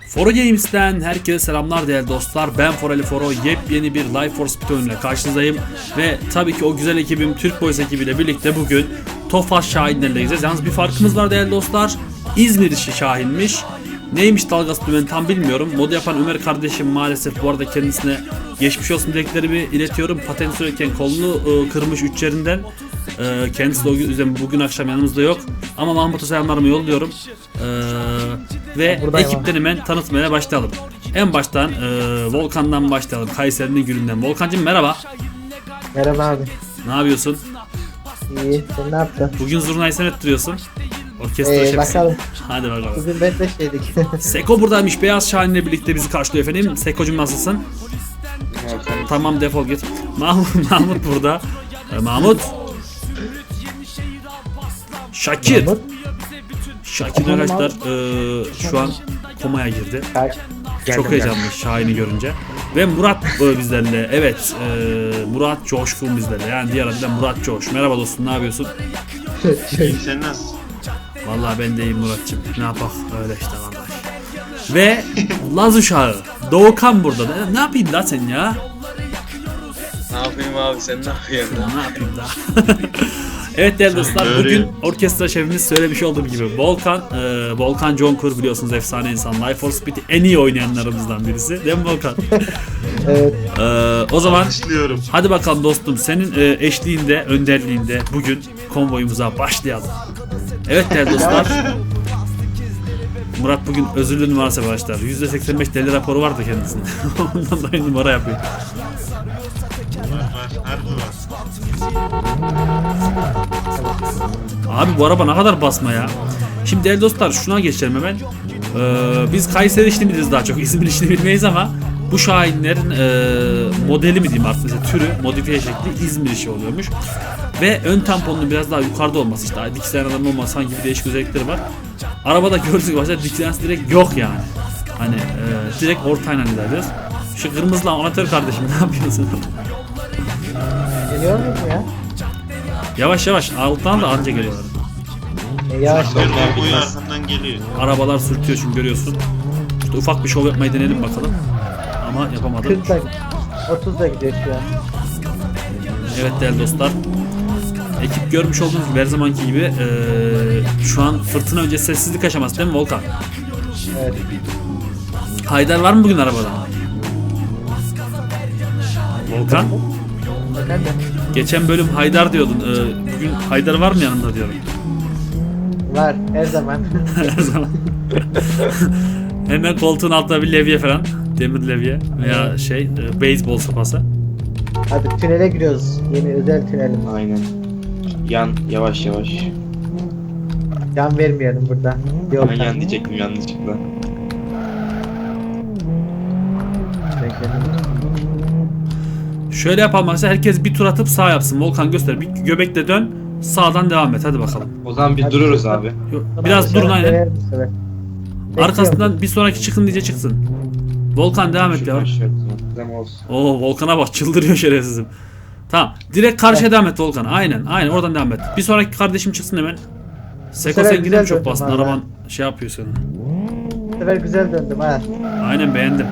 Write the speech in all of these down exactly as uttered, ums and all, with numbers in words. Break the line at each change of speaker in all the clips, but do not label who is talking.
Foro Games'ten herkese selamlar değerli dostlar. Ben Forali Foro, yepyeni bir Life for Speed oyunuyla karşınızdayım. Ve tabii ki o güzel ekibim Türk Boys ekibiyle birlikte bugün Tofaş Şahinler'le gideceğiz. Yalnız bir farkımız var değerli dostlar. İzmir işi Şahin'miş. Neymiş dalgası dümen tam bilmiyorum. Modu yapan Ömer kardeşim maalesef bu arada kendisine geçmiş olsun dileklerimi iletiyorum. Patent sürerken kolunu ıı, kırmış üç yerinden. Ee, kendisi de o yüzden bugün akşam yanımızda yok. Ama Mahmut'a selamlarımı yolluyorum. Ee, ve
Buradayım
ekipten hemen tanıtmaya başlayalım. En baştan e, Volkan'dan başlayalım. Kayseri'nin gülünden. Volkan'cığım merhaba.
Merhaba abi.
Ne yapıyorsun?
İyi. Sen ne yaptın?
Bugün zurnayı sen ettiriyorsun. Orkestra
Ee,
şefsin.
bakalım.
Hadi bakalım.
Bugün beş beş yedik.
Seko buradaymış. Beyaz Şahin'le birlikte bizi karşılıyor efendim. Seko'cum nasılsın? Tamam defol git. Mahmut, Mahmut burada. Ee, Mahmut. Şakir.
Mahmut.
Şakir arkadaşlar e, şu an komaya girdi.
Kaç.
Çok heyecanlı Şahin'i görünce. Ve Murat e, bizlerle. Evet. E, Murat Coşkun bizlerle. Yani diğer adıyla Murat Coş. Merhaba dostum, ne yapıyorsun?
Sen nasılsın?
Vallahi ben de iyiyim Muratçım. Ne yapak? Öyle işte vallahi. Ve Laz uşağı Doğukan burada. Ne, ne yapayım la sen ya?
Ne yapayım abi, sen ne yapıyorsun?
Ne yapayım da? Evet değerli dostlar, bugün orkestra şefimiz söylemiş olduğum gibi Volkan, e, Volkan Conkur biliyorsunuz, efsane insan. Life for Speed'i en iyi oynayanlarımızdan birisi. Değil mi Volkan?
Evet.
E, o zaman
Başlıyorum.
hadi bakalım dostum, senin e, eşliğinde, önderliğinde bugün konvoyumuza başlayalım. Evet değerli dostlar. Murat bugün özürlü numarası başlar. yüzde seksen beş deli raporu vardı kendisinde. Ondan dolayı numara yapıyor.
Var var, harbi var.
Abi bu araba ne kadar basma ya. Şimdi değerli dostlar şuna geçelim hemen. Ee, biz Kayseri işini biliriz daha çok. İzmir işini bilmeyiz ama bu Şahinlerin e, modeli mi diyeyim artık, mesela türü, modifiye şekli İzmir işi oluyormuş. Ve ön tamponunun biraz daha yukarıda olması, işte dikilen adam olması sanki bir değişik özellikleri var. Arabada gördüğünüz başta dikilen direkt yok yani. Hani e, direkt ortayla ilerliyoruz. Şu kırmızılı amatör kardeşim ne yapıyorsun?
Geliyor mu ya?
Yavaş yavaş alttan da anca geliyorlar.
E, yavaş.
Asker boyu arkamdan geliyor.
Arabalar sürtüyor çünkü görüyorsun. İşte ufak bir şov yapmayı deneyelim bakalım. Ama yapamadım.
kırkla otuzla gidiyor şu an.
Evet değerli dostlar. Ekip görmüş olduğunuz gibi her zamanki gibi ee, şu an fırtına önce sessizlik aşaması değil mi Volkan?
Evet.
Haydar var mı bugün arabada? Volkan?
Efendim?
Geçen bölüm Haydar diyordun. Ee, bugün Haydar var mı yanında diyorum.
Var. Her zaman.
Her zaman. Hemen koltuğun altında bir levye falan. Demir levye veya şey e, beyzbol sopası.
Hadi tünele giriyoruz. Yeni özel tünelim.
Aynen. Yan yavaş yavaş.
Yan vermeyelim burada. Yok.
Ben yan diyecektim yanlışlıkla.
Şöyle yapalım arkadaşlar, herkes bir tur atıp sağ yapsın. Volkan göster. Bir göbekle dön. Sağdan devam et. Hadi bakalım.
O zaman bir
Hadi
dururuz
bakalım.
abi.
Yo, Biraz durun aynen.
Bekliyorum.
Arkasından bir sonraki çıkın diye çıksın. Volkan devam et ya.
Şuradan şöyle zaman olsun.
Oo Volkan'a bak, çıldırıyor şerefsizim. Tamam. Direkt karşıya devam et Volkan. Aynen. Aynen oradan devam et. Bir sonraki kardeşim çıksın hemen. Seko
sefer
sen yine
güzel
mi çok
döndüm
bastın?
valla.
Araban şey yapıyor senin.
Bu sefer güzel döndüm ha.
Aynen beğendim.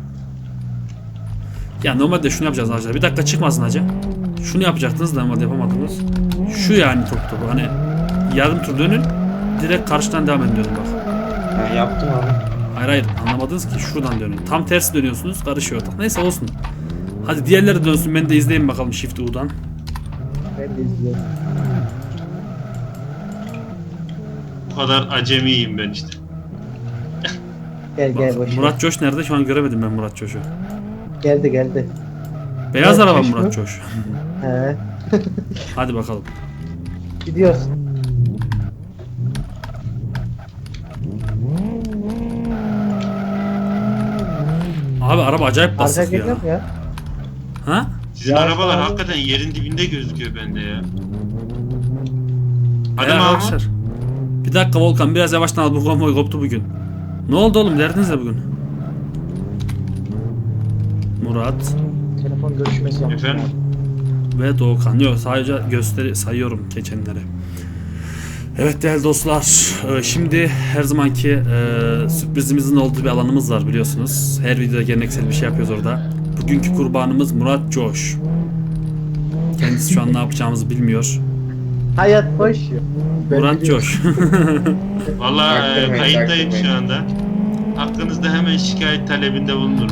Ya normalde şunu yapacağız arkadaşlar. Bir dakika çıkmasın hacı. Şunu yapacaktınız da normalde yapamadınız. Şu yani top topu. Hani yarım tur dönün. Direkt karşıdan devam edin diyorum bak.
Ben yaptım abi.
Hayır hayır anlamadınız ki, şuradan dönün. Tam tersi dönüyorsunuz, karışıyor. Neyse olsun. Hadi diğerleri dönsün, ben de izleyeyim bakalım Shift U'dan.
Ben de izliyorum.
Bu kadar acemiyim ben işte.
Gel gel boş ver.
Murat Coş nerede? Şu an göremedim ben Murat Coş'u.
Geldi geldi.
Beyaz
Murat
araba
Coş
Murat
mu?
Coş.
He.
Hadi bakalım.
Gidiyoruz.
Abi araba acayip
Arka
basık ya.
geliyor mu ya?
Ha?
Sizin
Ya
arabalar
abi.
hakikaten yerin dibinde gözüküyor bende ya. Hadi
Beyler,
Mahmut.
arkadaşlar. Bir dakika Volkan, biraz yavaştan al, bu konvoy koptu bugün. Ne oldu oğlum, derdiniz ne bugün? Murat
Telefon görüşmesi yapmış.
Efendim?
ve Doğukan. Yok sadece gösteri sayıyorum geçenleri. Evet değerli dostlar, e, şimdi her zamanki e, sürprizimizin olduğu bir alanımız var biliyorsunuz. Her videoda geleneksel bir şey yapıyoruz orada. Bugünkü kurbanımız Murat Coş. Kendisi şu an ne yapacağımızı bilmiyor.
Hayat boş ya. Ben
Murat
biliyorum.
Coş.
Valla e,
Taktırmayın,
kayıttayım şu
taktırmayın.
anda. Hakkınızda hemen şikayet talebinde bulunurum.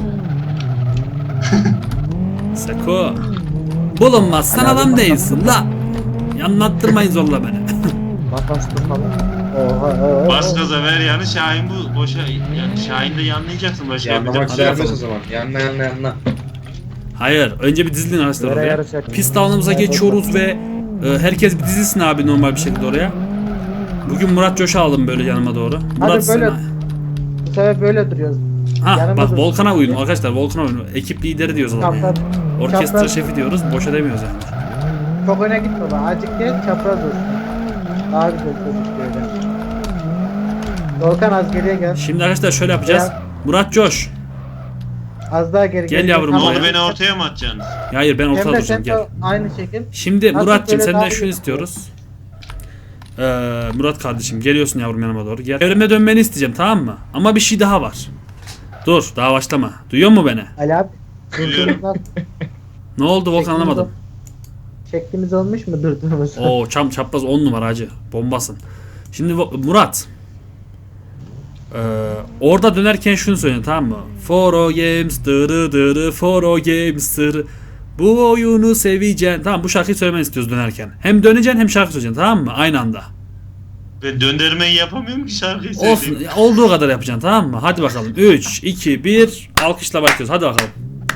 Seko. Bulunmaz sen adam değilsin la. Anlattırmayın zorla beni.
Makaslı falan. Oha oha.
Bas gaza ver yani Şahin bu boşa yani Şahin de yanlayacaksın başka
Yanlamak
yapacak bir şey
serbest
yok.
o zaman. Yanla yanla yanla.
Hayır, önce bir dizilin arkadaşlar
Nereye
oraya.
yarışacak?
Pist alanımıza geçiyoruz ve e, herkes bir dizilsin abi normal bir şekilde oraya. Bugün Murat Coş'u aldım böyle yanıma doğru. Murat
böyle
sen-
Bu sefer böyle duruyoruz.
Ha
yanıma
bak
dur.
Volkan'a uyun arkadaşlar, Volkan'a uyun. Ekip lideri diyoruz adamı yani.
Çapraz.
Orkestra
çapraz.
şefi diyoruz, boşa demiyoruz yani.
Çok öne gitme bak. Azıcık gel çapraz olsun. Daha güzel gözüküyor öyle. Volkan az geriye gel.
Şimdi arkadaşlar şöyle yapacağız.
Ya.
Murat Coş.
Az daha geri
Gel
geri
yavrum,
Ne
Tamam.
oldu beni ortaya mı atacaksınız?
Hayır ben ortada
Emre
duracağım
sen
gel.
de aynı şekil.
Şimdi
Nasıl
Murat'cığım
böyle
senden
daha
şunu
iyi
istiyoruz. Ee, Murat kardeşim geliyorsun yavrum yanıma doğru. Gel. Evime dönmeni isteyeceğim tamam mı? Ama bir şey daha var. Dur daha başlama. Duyuyor musun beni?
Ali abi.
Duyuyorum.
Durdurumuz nasıl?
Ne oldu Volkan anlamadım.
Şeklimiz olmuş mu durdurumuz?
Oo çam çapraz on numara hacı. Bombasın. Şimdi Vo- Murat. Ee, orada dönerken şunu söyle tamam mı? Foro Games dırı dırı Foro Games dırı. Bu oyunu seveceksin. Tamam bu şarkıyı söylemeni istiyoruz dönerken. Hem döneceksin hem şarkı söyleyeceksin tamam mı? Aynı anda.
Ben döndürmeyi yapamıyorum ki şarkıyı
Olsun.
söyleyeyim.
Olduğu kadar yapacaksın tamam mı? Hadi bakalım. üç, iki, bir. Alkışla başlıyoruz. Hadi bakalım.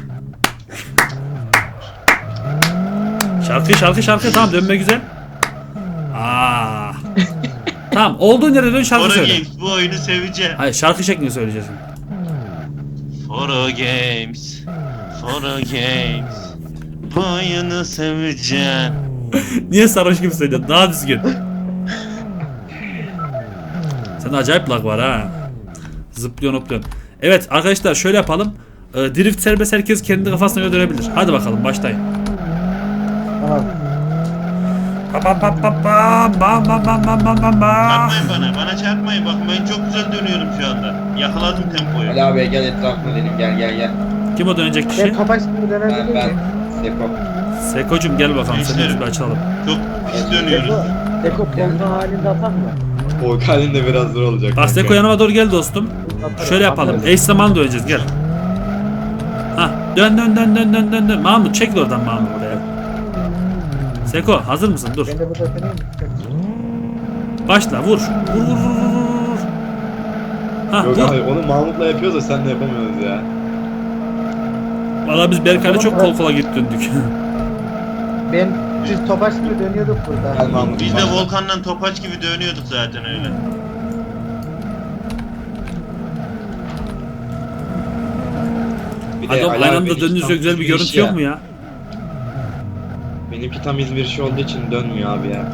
Şarkı şarkı şarkı tamam dönme güzel. Aa. Tamam olduğun yere dön şarkı
Foro
söyle.
Games bu oyunu seveceğim.
Hayır şarkı şeklinde söyleyeceksin.
Foro Games. Foro Games. Bu oyunu seveceğim.
Niye sarhoş gibi söylüyorsun? Daha düzgün. Sende acayip lag var ha. Zıplıyorsun hopluyorsun. Evet arkadaşlar şöyle yapalım. Ee, drift serbest herkes kendi kafasına göre dönebilir. Hadi bakalım başlayın.
Tamam.
Bam bam bam bam bam bam bam bam bam bam bam.
Çarpmayın bana. Bana çarpmayın. Bakın ben çok güzel dönüyorum şu anda. Yakaladım tempoyu.
Ali abi gel etrafına dedim gel gel gel.
Kim o dönecek
Ben
kişi?
topaç gibi dönebilir
Ben
miyim?
ben. Seko.
Sekocum gel bakalım seni
Gençlerim.
bir açalım.
Çok pis dönüyoruz.
Deko polka halinde atar mı?
O halin de biraz zor olacak.
Bak Seko yanıma doğru gel dostum.
Atarım,
Şöyle yapalım.
atarım.
Eş zamanlı döneceğiz gel. Ha dön dön dön dön dön dön dön. Mahmut çekil oradan Mahmut be. Seko hazır mısın? Dur.
Ben de burada döneyim mi?
Başla vur. Vur vur vur vur vur. Ha
Yok
vur.
abi onu Mahmut'la yapıyoruz da sen de yapamıyoruz ya.
Valla biz Berkay'la çok kol kola git döndük.
Ben biz topaç gibi dönüyorduk burada.
Gel Mahmut.
Biz de
başla.
Volkan'la topaç gibi dönüyorduk zaten öyle.
Bir de
Hadi oğlum
Ali
aynı
abi
anda
benimki
döndüğünüzde
tam
güzel bir
İzmir
görüntü
işi
yok
ya.
mu ya?
Benimki tam İzmir işi olduğu için dönmüyor abi ya.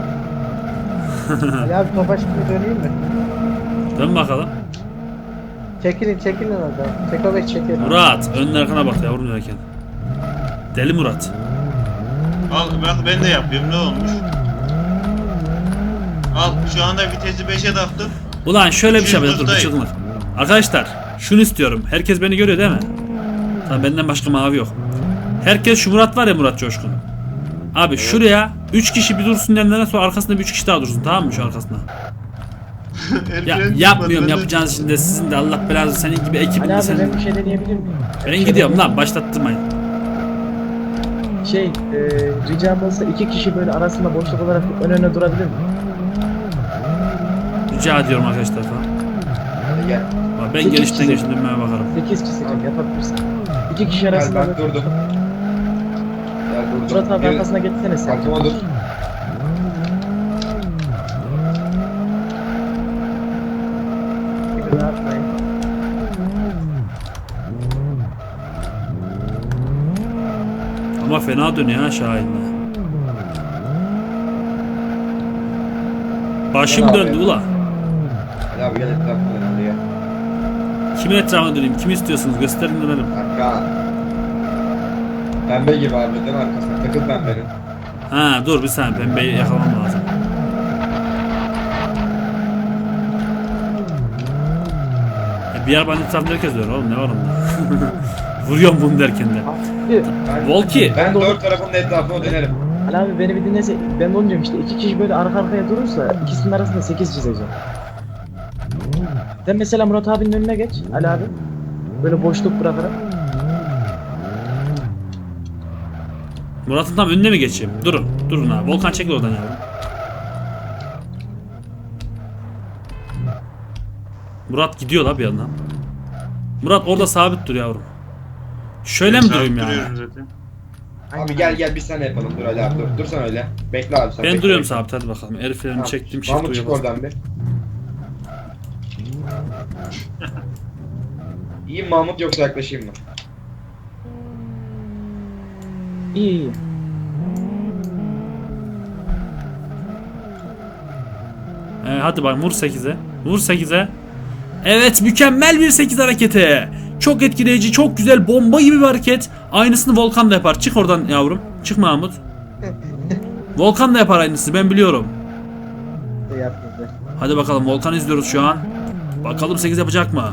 Ali abi topaç gibi döneyim mi?
Dön bakalım.
Çekilin çekilin orada. Seko Bey çekilin.
Murat önün arkana bak yavrum dönerken. Deli Murat.
Al bak ben de yapıyorum ne olmuş? Al şu anda vitesi beşe taktım.
Ulan şöyle bir şey yapacağız dur bir
Çılgındayım.
çılgınlık. Arkadaşlar şunu istiyorum. Herkes beni görüyor değil mi? Tamam benden başka mavi yok. Herkes şu Murat var ya Murat Coşkun. Abi şuraya üç kişi bir dursun yanlarına sonra arkasında bir üç kişi daha dursun tamam mı şu arkasında? Ya
Erken
yapmıyorum
çıkmadı,
yapacağınız şimdi sizin de Allah belanızı senin gibi ekibin
Ali
de
abi
senin.
ben bir şey deneyebilir miyim?
Ben gidiyorum lan başlattırmayın.
Şey, e, ricam olsa iki kişi böyle arasında boşluk olarak ön öne durabilir mi?
Rica ediyorum arkadaşlar falan.
Hadi gel.
Bak ben
İki
gelişten
kişi.
gelişten dönmeye bakarım.
sekiz kişi can yapabilirsin. İki kişi
Gel
arasında
ben
böyle...
durdum. Gel durdum.
Murat abi
Bir-
arkasına geçsene sen.
Arkama dur.
Gibi rahatlayın.
Ama fena dönüyor ha Şahin'le. Başım
Gel abi.
döndü ula.
Ali abi gel etrafına dön hadi gel.
Kimin etrafına döneyim? Kimi istiyorsunuz? Gösterin dönelim.
Arka. Pembe gibi abi dön arkasına. Takıl pembenin.
Ha dur bir saniye pembeyi yakalamam lazım. Bir arabanın etrafında herkes dönüyor oğlum, ne var onda? Vuruyorum bunu derken de.
Abi,
Ben,
Volki.
ben dört tarafın etrafına dönerim.
Ali abi beni bir dinlese, ben de onu diyorum işte iki kişi böyle arka arkaya durursa ikisinin arasında sekiz çizeceğim. Sen mesela Murat abinin önüne geç Ali abi. Böyle boşluk bırakarak.
Murat'ın tam önüne mi geçeyim? Durun. Durun abi. Volkan çekil oradan yavrum. Murat gidiyor la bir yandan. Murat orada sabit dur yavrum. Şöyle mi
Sabit
durayım yani?
duruyorum zaten.
Abi gel gel biz sen yapalım dur Ali abi dur. Dur sen öyle. Bekle abi sen.
Ben
bekle,
duruyorum
bekle.
sabit, hadi bakalım. Heriflerimi
Tamam.
çektim, shift
Mahmut çık
uyuyor.
oradan bir. İyi Mahmut yoksa yaklaşayım mı?
İyi iyi.
Ee, hadi bak, vur sekize. Vur sekize. Evet, mükemmel bir sekiz hareketi. Çok etkileyici, çok güzel, bomba gibi bir hareket. Aynısını Volkan da yapar. Çık oradan yavrum. Çık Mahmut. Volkan da yapar aynısını, ben biliyorum.
yapmadı.
Hadi bakalım, Volkan izliyoruz şu an. Bakalım sekiz yapacak mı?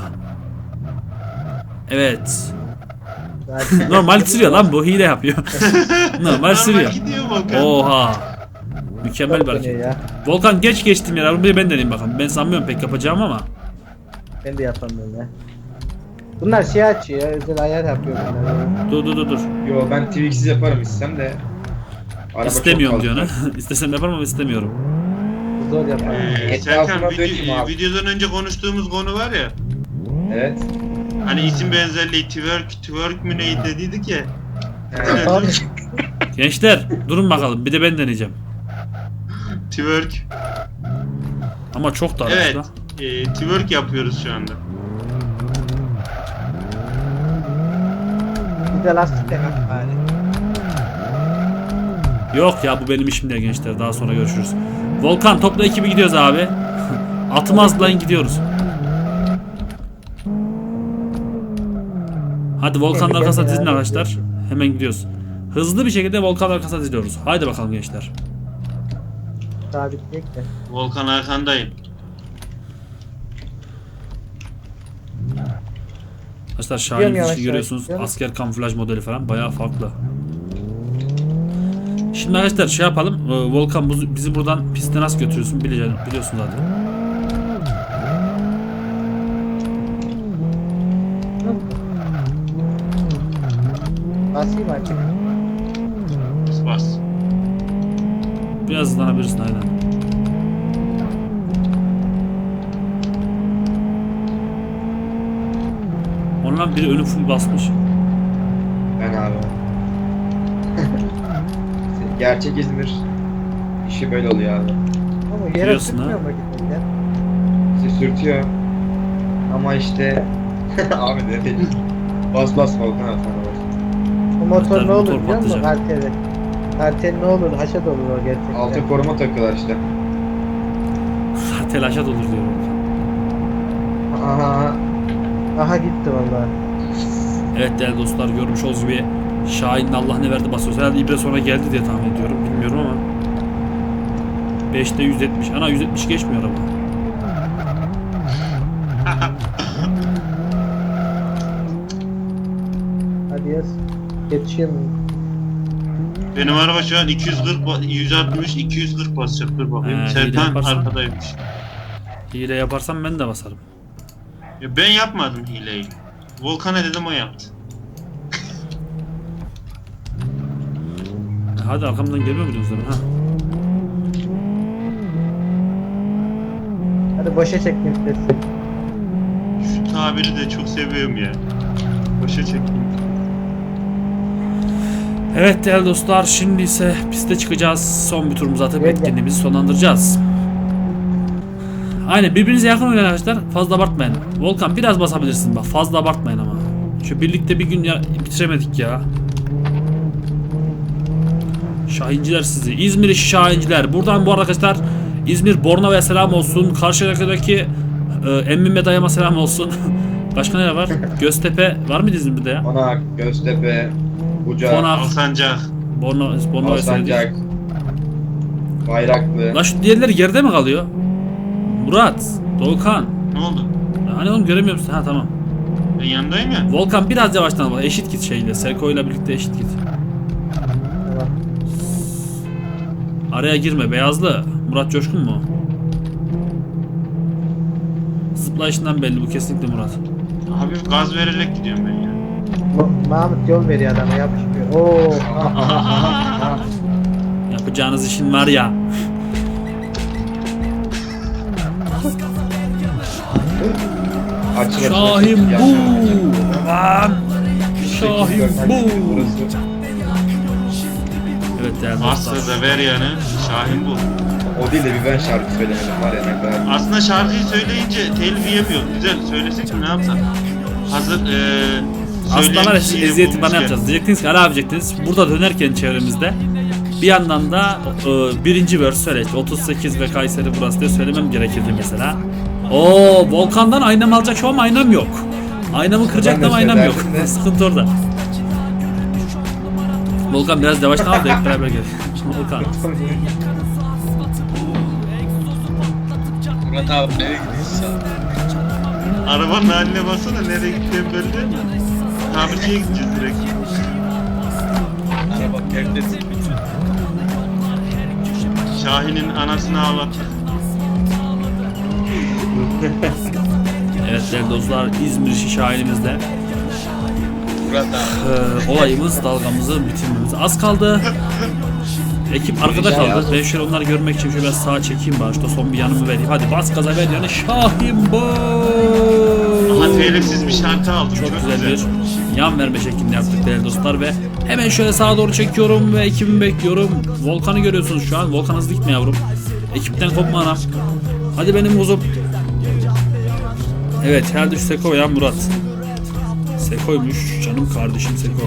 Evet.
Zaten-
Normal sürüyor lan bu, hile yapıyor. Normal sürüyor.
gidiyor Volkan.
Oha. Mükemmel bir
Çok
hareket.
dönüyor ya.
Volkan geç geçtim ya. Bunu bir ben deneyeyim bakalım. Ben sanmıyorum pek yapacağım ama.
Ben de yapamıyorum ya. Bunlar şey açıyor ya, özel ayar yapıyor bunlar ya.
Dur dur dur dur.
Yo ben Twix'iz yaparım istem de. Araba
İstemiyorum
çok
diyor
fazla.
ne? İstesem yaparım ama istemiyorum.
Zor yapar.
Ee,
Etrafına
Serkan
dökme
video,
abi.
videodan önce konuştuğumuz konu var ya.
Evet.
Hani isim benzerliği twerk twerk mü neydi dediydik ya.
Evet.
Abi,
Gençler durun bakalım. Bir de ben deneyeceğim.
Twerk.
Ama çok da
Evet.
lan.
E, twerk yapıyoruz şu anda.
bir de lastik de yap bari.
Yok ya, bu benim işim değil gençler. Daha sonra görüşürüz. Volkan topla ekibi gidiyoruz abi. Atımı azlayın gidiyoruz. Hadi Volkan'ın arkasına dizin arkadaşlar. Hemen gidiyoruz. Hızlı bir şekilde Volkan'ın arkasına diziliyoruz. Haydi bakalım gençler.
Sabitleyek de.
Volkan arkandayım.
Arkadaşlar
Gidiyorum
Şahin
yavaş
dışı
yavaş,
görüyorsunuz.
gidiyorum.
Asker kamuflaj modeli falan bayağı farklı. Şimdi arkadaşlar şey yapalım. Ee, Volkan bu- bizi buradan piste nasıl götürüyorsun biliyorsun, biliyorsun zaten.
Basayım artık.
Bas bas.
Biraz hızlanabilirsin aynen. Ondan biri önü full basmış.
Ben abi. Gerçek İzmir işi böyle oluyor abi.
Ama yere
Biliyorsun
sürtmüyor
ha.
mu gitmekten?
Bizi sürtüyor. Ama işte abi ne değil. Bas bas Volkan abi sana bas.
O motor
Hatta
ne olur
motor
biliyor musun?
patlayacak.
Karteli. Kartel ne olur? Haşat olur o gerçekten.
Alta koruma takıyorlar işte.
Telaşa dolur diyorum.
Aha.
Aha gitti vallahi.
Evet değerli dostlar, görmüş olduğunuz gibi Şahin'in Allah ne verdi basıyoruz. Herhalde İbre sonra geldi diye tahmin ediyorum. Bilmiyorum ama. beşte yüz yetmiş. Ana yüz yetmiş geçmiyor araba.
Hadi yaz. Yetişiyor mu?
Benim araba şu an iki yüz kırk, ba- yüz altmış, iki yüz kırk basacak. Dur bakayım.
He, iyi de
Serkan
yaparsan.
arkadaymış.
Hile yaparsam ben de basarım.
Ya ben yapmadım hileyi. Volkan'a dedim o yaptı.
E hadi arkamdan gelmiyor muydunuz demin ha?
Hadi boşa çektim sesi.
Şu tabiri de çok seviyorum ya. Boşa çektim.
Evet değerli dostlar, şimdi ise piste çıkacağız. Son bir turumuzu atıp
Evet.
etkinliğimizi sonlandıracağız. Aynen, birbirinize yakın oynayın arkadaşlar. Fazla abartmayın. Volkan biraz basabilirsin bak. Fazla abartmayın ama. Şu birlikte bir gün ya bitiremedik ya. Şahinciler sizi. İzmir işi Şahinciler. Buradan bu arada arkadaşlar İzmir Bornova'ya selam olsun. Karşıyaka'daki e, emmime dayama selam olsun. Başka ne var? Göztepe var mıydı İzmir'de ya?
Konak, Göztepe, Bucak,
Konak,
Alsancak.
Bornova, Bornova'ya selam.
Alsancak, Bayraklı.
Lan şu diğerleri geride mi kalıyor? Murat, Doğukan.
Ne oldu?
Hani oğlum göremiyor musun? Ha tamam.
Ben yanındayım ya.
Volkan biraz yavaştan bak. Eşit git şeyle. Seko ile birlikte eşit git.
Tamam.
Araya girme. Beyazlı. Murat Coşkun mu? Zıplayışından belli. Bu kesinlikle Murat.
Hafif gaz vererek gidiyorum ben ya.
Ma- Mahmut yol veriyor adama yapışmıyor. Oo.
Aha, aha, aha. Yapacağınız işin var ya.
Açıl
Şahin bu. Lan. Şahin bu. Evet değerli dostlar.
Aslında ver yani. Şahin bu.
O değil de bir ben şarkı söylemedim var ya ne kadar.
Aslında şarkıyı söyleyince telif yemiyor. Güzel söylesek mi ne yapsak? Hazır eee
Aslında var ya
şeyi
eziyeti bana
bulmuşken.
yapacağız. Diyecektiniz ki ara yapacaktınız. Burada dönerken çevremizde bir yandan da e, birinci verse söyle. İşte otuz sekiz ve Kayseri burası diye söylemem gerekirdi mesela. Oo Volkan'dan aynam alacak şu an aynam yok. Aynamı kıracak
Ben de
da aynam yok.
söylerdim de.
Sıkıntı orada. Volkan biraz yavaştan al da hep beraber gel. Volkan.
Murat abi nereye gidiyorsun sen?
Arabanın haline baksana nereye gittiğim belli değil mi? Tamirciye gideceğiz direkt.
Araba perdesin.
Şahin'in anasını ağlattık.
Evet değerli dostlar İzmir işi şahirimizde.
Murat abi.
Ee, olayımız dalgamızı bitirmemiz az kaldı. Ekip arkada kaldı. Ben şöyle onları görmek için şöyle biraz sağa çekeyim başta son bir yanımı vereyim. Hadi bas gaza ver yani Şahin bu.
Aha telifsiz bir şarkı aldım.
Çok güzel bir yan verme şeklinde yaptık değerli dostlar ve hemen şöyle sağa doğru çekiyorum ve ekibimi bekliyorum. Volkan'ı görüyorsunuz şu an. Volkan hızlı gitme yavrum. Ekipten kopma anam. Hadi benim kuzum. Evet herhalde şu Seko ya Murat. Seko'ymuş canım kardeşim Seko.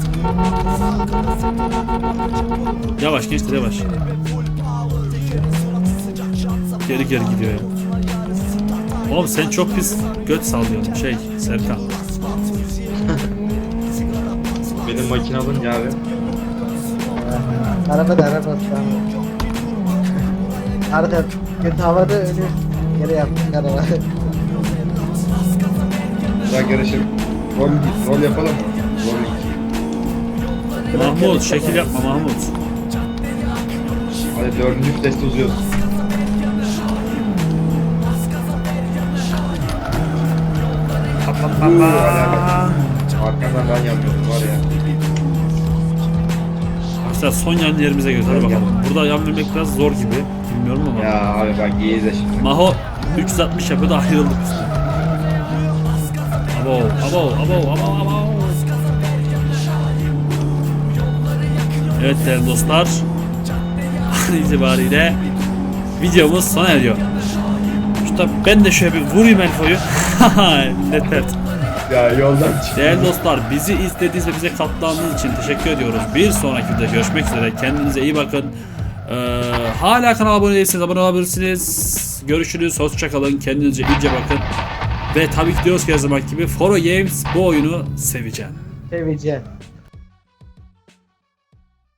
Yavaş gençler yavaş. Geri geri gidiyor ya. Oğlum sen çok pis göt sallıyorsun şey Serkan.
Benim makine alınca abi.
Araba da araba şu an. Arka kötü havada önü yere yaptık araba.
Bırak yarışıp rol, rol yapalım mı? Rol.
Mahmut şekil yapma Mahmut.
Hadi dördüncü viteste uzuyoruz. Uuu hala bak. Arkandan ben yapıyordum var ya.
Arkadaşlar son yan yerimize göre hadi bakalım. Burada yan vermek biraz zor gibi. Bilmiyorum ama.
Ya abi bak iyi de şimdi.
Maho üç yüz altmış yapıyor da ayrıldık biz. Abo, abo, abo, abo, abo. Evet değerli dostlar. An itibariyle videomuz sona eriyor. Şurada ben de şöyle bir vurayım Elfo'yu. Yeter.
Ya yoldan çık.
Değerli dostlar bizi izlediğiniz ve bize katlandığınız için teşekkür ediyoruz. Bir sonraki videoda görüşmek üzere. Kendinize iyi bakın. Ee, hala kanala abone değilseniz abone olabilirsiniz. Görüşürüz. Hoşçakalın. Kendinize iyice bakın. Ve tabii ki diyoruz ki her zaman gibi Foro Games bu oyunu seveceğim.
Seveceğim.